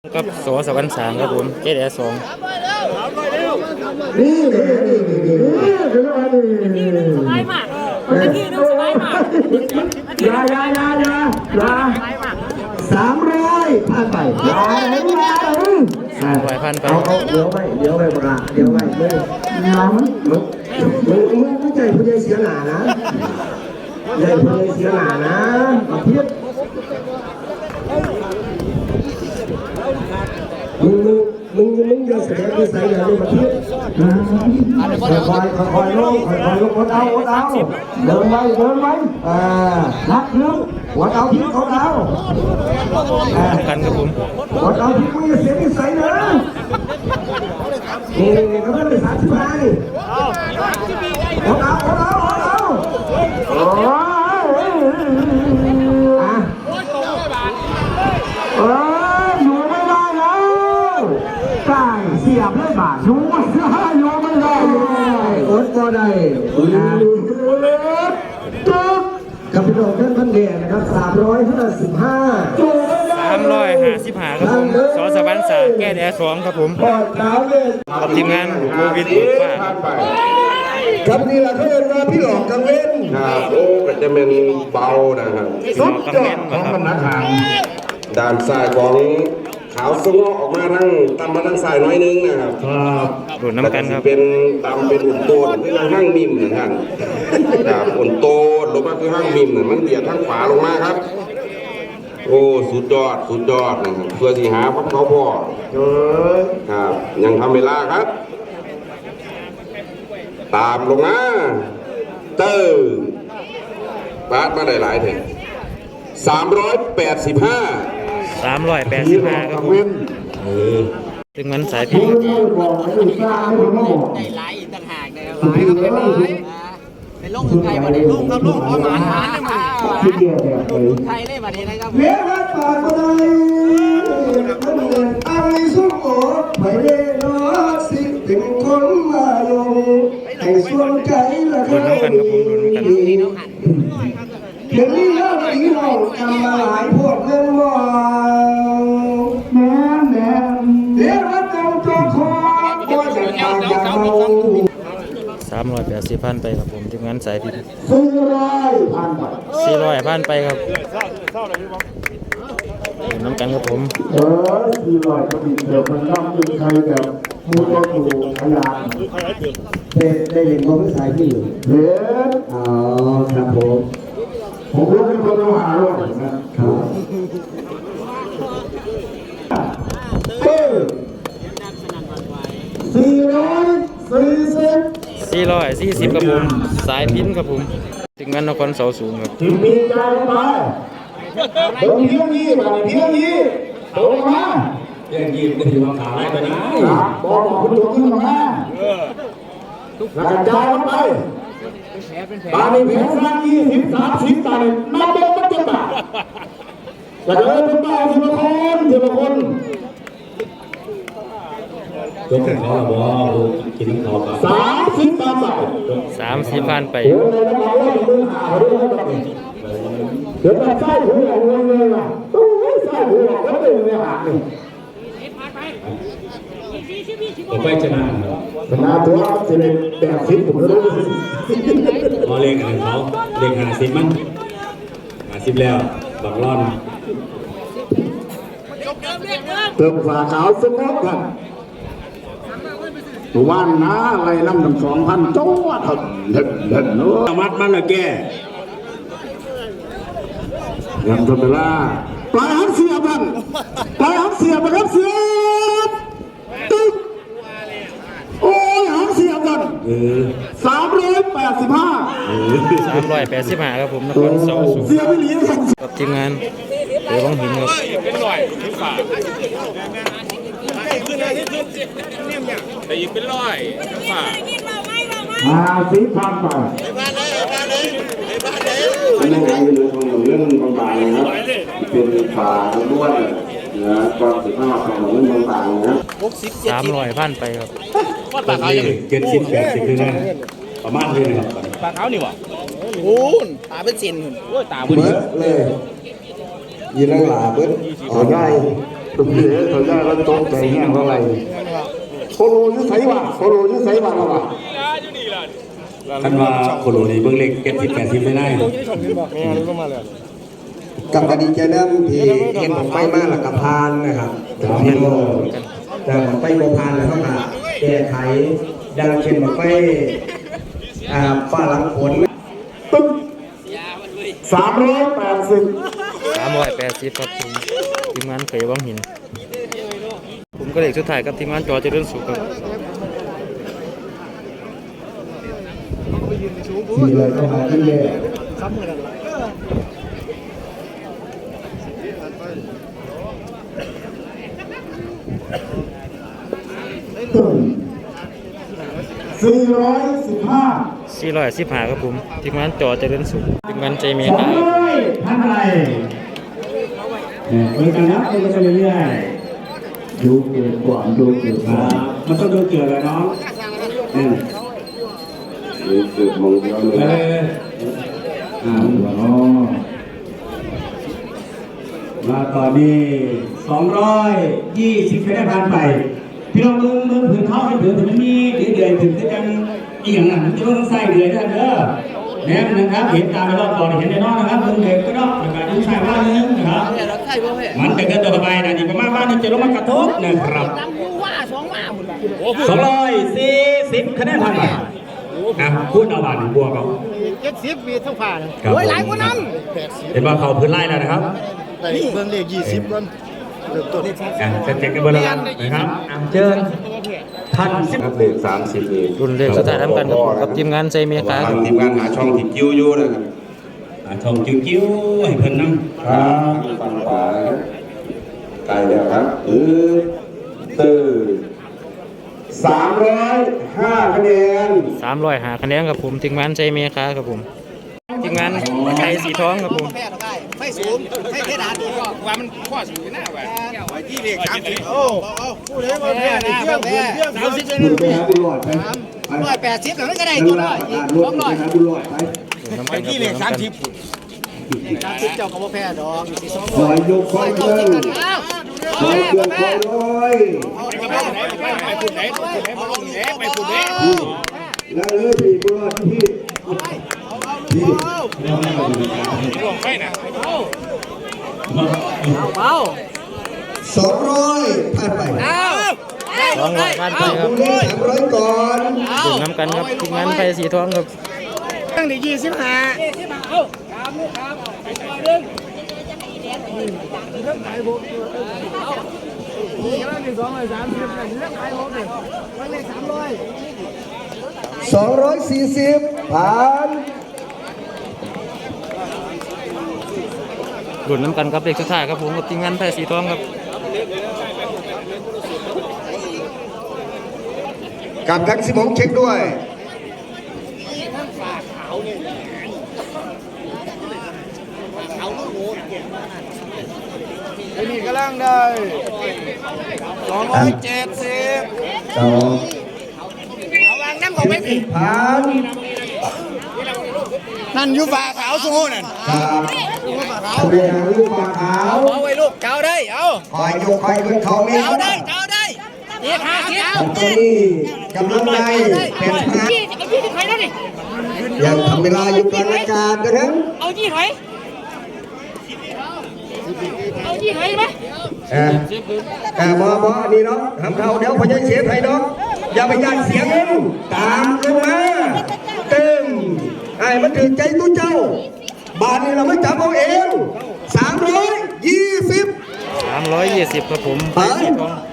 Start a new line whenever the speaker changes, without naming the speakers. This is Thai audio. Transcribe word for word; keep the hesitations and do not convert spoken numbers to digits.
กับสอสวรรค์สามครับผมเจ็ดแอสอง
นี่นี่นี่นี่นี่นี่
สบายมากนาทีนึงสบายมาก
ยายายายายาสามร้อยผ่านไปยาเห็นไหม
สามร้อยพันไป
เอาเอาเดี๋ยวไปเดี๋ยวไปบราเดี๋ยวไปเลยน้ำมึงมึงมึงไม่ใจผู้ใหญ่เสียหนานะใจผู้ใหญ่เสียหนานะมาเทียบมึงมึงมึงมึงอย่าแสดงนิสัยอย่างนี้มาเทียบค่อยๆค่อยๆลงค่อยๆลงวัดเอาวัดเอาเดินไว้เดินไว้อ่านักนึงวัดเอาทิ้งวัดเอา
กันครับผม
วัดเอาทิ้งมึงอย่าเสียนิสัยนะนี่นี่เขาไม่ได้สามสิบห้านี่วัดเอาวัดเอาวัดเอาโอ้ยอ่ะเอออยู่ไม่ได้แล้วใช่เสียบเลยบาทอยู่ไม่ได้อยู่ไม่ได้เลยอดก็ได้นะจุ๊บกับพี่น้องท่านพันเดียนะครับสามร้อยห้าสิบห้า
สามร้อยห้าสิบห้าครับผมสอสวรรค์สามแก้แอสองครับผมกับทีมงานโควิดเบิร์ดฟ้า
ครับนี่แหละเขาเรียกว่าพี่หลอกกังเว้น
ครับโอ้ก็จะเป็นเบานะครับ
สุดยอดของบรรทัดทาง
ด้านซ้ายของขาวสงอออกมาทั้งตำมาทั้งซ้ายน้อยนึงนะครับ
โดดน้ำกันครับ
เป็นตำเป็นอุ่นโตนคือห้างมิมนะครับครับอุ่นโตนลงมาคือห้างมิมเนี่ยมันเบียดทั้งขวาลงมาครับโอ้สุดยอดสุดยอดนะครับเพื่อที่หาพับเขาพ่อครับยังทำเวลาครับตามลงมาเตอร์ปาดมาได้หลายเถอะสามร้อยแปดสิบห้า
สามร้อยแปดสิบห้าครับผมถึงมันสายพิษ
ได้หลายต่างหากนะครับหลายครับเป็นหลายเป็นโรคไทยวันนี้ลูกครับลูกประมาณนั้นนะครับลูกไทยเลยวันนี้นะครับ
เลี้ยงรักปากคนใดมันเดินอันนี้สุขโอไปเล่นอสิเป็นคนมาลงให้ส่วนใจละ
โดดน้ำกันครับผมโดดน้ำกัน
เดี๋ยวนี้เราอีน้องจำมาหลายพวกเงินมองแม่แม่เดี๋ยวเราจำตัวคอก็จะตายจากเรา
สามร้อยแปดสิบพันไปครับผมทีมงานสายพิษ
สี่ร้อยพันไป
สี่ร้อยพันไปครับน้ำกันครับผม
เออสี่ร้อยก็มีเดี๋ยวมันต้องมีใครแบบมูลก็ถูกพยานได้ได้เห็นว่าไม่สายที่อยู่เห็นอ๋อครับผมผมรู้เป็นคนต้องหาด้วยนะครับเออสี่ร้อยสี่สิบ
สี่ร้อยสี่สิบครับผมสายพินครับผมถึงงานนครเสาสูงครับ
ถึงมีใจไปเดินเพียงยี่มาเพียงยี่โดนมา
เพียงยี่ก็ถือว่าขายไปนะ
บอกบอกคุณตัวขึ้นมาแล้วกระจายไปตาในแผงสักยี่สิบสามสิบตาในนับเดินนับเจ็ดบาทกระเดินเป็นบ้าทีละคนทีละคน
ยกเขาละบ่กินเขา
สามสิบตามไป
สามสิบพันไป
เดี๋ยวจะใส่หัวเงินเลยว่ะต้องใส่หัวแล้วเป็นเงินหักนี่
ผมไปชนะ
ชนะตัวจะเป็นแบบสิบผมรู้
พอเล่นกันเขาเล่นหาสิบมั้งหาสิบแล้วบังร่อน
เติมฝาขาวสมองกันตัวว่านนะอะไรน้ำหนึ่งสองพันโจ้ถัดเด็ดเด็ดเนาะ
มัดมันละแก
ยังทำเวลาปลายหักเสียบกันปลายหักเสียบกันเสียบตึ๊กโอ้ยหักเสียบกันสามร้อยแปดสิบห้า
สามร้อยแปดสิบห้าครับผมนครเสาสูง
เสียไม่หลี
กับทีมงานเดี๋ยวต้องหินครับ
เป็นร้อยถึงฝาแต่อีกเป็นร้อยถึงฝา
มาสีพันไป
นี่ไงเรื่องของเรื่องบางๆนะครับเป็นฝาล้วนนะก็สิบห้าของเรื่องบางๆนะ
สามร้อยพันไปครับ
ปลาขาวเจ็ดสิบแปดสิบคือนั่นประมาณนี้นะครับ
ปลาขาวนี่วะโอ้ยตาเป็นเซนโอ้ยตาเบิ้ล
เลยยีนังหลาเบิ้ลอ๋อได้ตุ้มเดือดเขาได้ก็ตกใจแง่เท่าไหร่โคโลยิ่งใส่ว่ะโคโลยิ่งใส่ว่ะเราว่ะ
คันว่าโคโลนี่เบิ่งเลขเจ็ดสิบแปดสิบไม่ได้
กับกระดิ่งใจน้ำที่เห็นผมไปมากหลักกับพานนะครับเห็นบ่แต่ผมไปโบพานแล้วก็มาแก้ไขดังเช่นมาไปอ่าฝ้าหลังฝนตึ้งสามร้อยแปดสิบ
สามร้อยแปดสิบครับผมทีมงานเขยวังหิน ผมก็เลขสุดท้ายกับทีมงานจอเจริญสุขครับ
สี่เลยเข้ามาที่เลยสี่ร้อยสิบห้า
สี่ร้อยสิบห้าครับผมทีมงานจอเจริญสุขทีมงานใจเมีย
ส
ค
อ
รั
ง
บ
ร้อยพันอะไรเนี่ยคุยกันนะคุยกันไปเรื่อยๆดูเกิดก่อนดูเกิดมามันต้องดูเกิดแล้วเนาะอืม
นี่คือมงเดียวเลย
เอ
นะ
อ
อ่าหัวเนาะมาตอนนี้สองร้อยยี่สิบคะแนนผ่านไปพี่น้องมึงมึงผืนเขาให้ผืนแต่มันมีเดือยเดือยถึงจะยังอีกอย่างนั้นมันจะต้องใส่เดือยได้เด้อเนี่ยนะครับเห็นตามในรอบก่อนเห็นในนอกนะครับมึงเด็กก็นอกแล้วก็ดูใส่ว่านึงนะครับมันจะเกินตัวไปนะนี่ประมาณว่านี่จะลงมากระทบนะครับสองร้อยสี่สิบคะแนนผ่านไปอ่ะพูดเอาบาทบวกเอา
เจ็ดสิบมีทั้งผ่าน
ครับ
โอ้ยหลายกว่านั้น
เห็นว่าเขาพื้นไล่แล้วนะครับ
นี่เบิ่งเลขยี่สิบก่อนเริ่มต้น
อ่ะจะเจ็คกันเบอร์ละกันนะครับอ่ะเชิญท่านสิบ
ครับเลขสามสิบนี่
รุ่นเลขสุดท้ายทำกันครับผมกับทีมงานใจเมียครับ
ทางทีมงานหาช่องที่กิ้วอยู่นะครับ
อ่ะชมกิ้วๆให้เพิ่นนั่ง
ครับฟังขวานะครับใกล้แล้วครับอือตื้อสามร้อยห้าคะแนน
สามร้อยหาคะแนนครับผมทีมงานใจเมียครับผมทีมงานไทยสีทองครับผม
แพ้ได้ไม่สูงไม่เพดานดีก็ว่ามันข้อสูงหน้าว่ะไว้ที่เลขสามสิบโอ้เอาผู้ใดมาแพ้นะมาแพ้สามสิบจะ
บุ
ได้
ญไปหาบุญรอดไป
ร้อยแปดสิบแล้วก็ได้ตัวร้อยอีกสองร้อย
ไปหาบุญรอดไป
ไปที่เลขสามสิบ
สามสิบเจ้าก็บ่แพ้ดอกอีกสอง
ค
ร้อ
อย ยยกคอย
เข้า
เดิ
จิ
น
กันอ้าว
คอยเคลื่อนคอยลอย
ไปปุ่นไหนไปปุ่นไหนไปปุ่นไหนไปปุ่นไหน
แล้วเออพี่บุญรอดที่ที่
ลงไปนะ
เบา
สองร้อยผ่านไป
เอา
สองร้อยพันไปครับ
บุญเลขสามร้อยก่อน
ดื่มน้ำกันครับทีมงานไทยสีทองครับ
ตั้งแต่ยี่สิบห้าส
สองร้อยสี่สิบผ่าน
ดื่มน้ำกันครับเลขสุดท้ายครับผมกับทีมงานไทยสีทองครับ
กับทักซิมงเช็คด้วย
นี่กำลังได้สองร้อยเจ็ดสิบ
สอง
เอาวางน้ำของไม่ผิด
ผ่าน
นั่นอยู่ฝ่าขาวสู้นั่น
ครับทะเบียนลูกปลาขาว
เอาไว้ลูกเจ้าได้เอา
คอยยกคอยขึ้นเขาไม่
เจ้าได้เจ้าได้เจ็ดห้าสิบ
ตอนนี้กำลังได้เป็นพระ
ยี่เอายี่ถอยแล้วดิ
ยังทำเวลาอยู่กลางอากาศกันทั้ง
เอายี่ถอยเอายี่ถอยไหม
เออเออบอบอนี่เนาะทำเขาเดี๋ยวพยายเสียไทยเนาะอย่าไปยันเสียงเองตามลงมาเต็มไอ้มันถือใจตู้เจ้า บาทนี้เราไม่จับเอาเองสามร้อยยี่สิบ
สามร้อยยี่สิบครับผมไทยสีทอง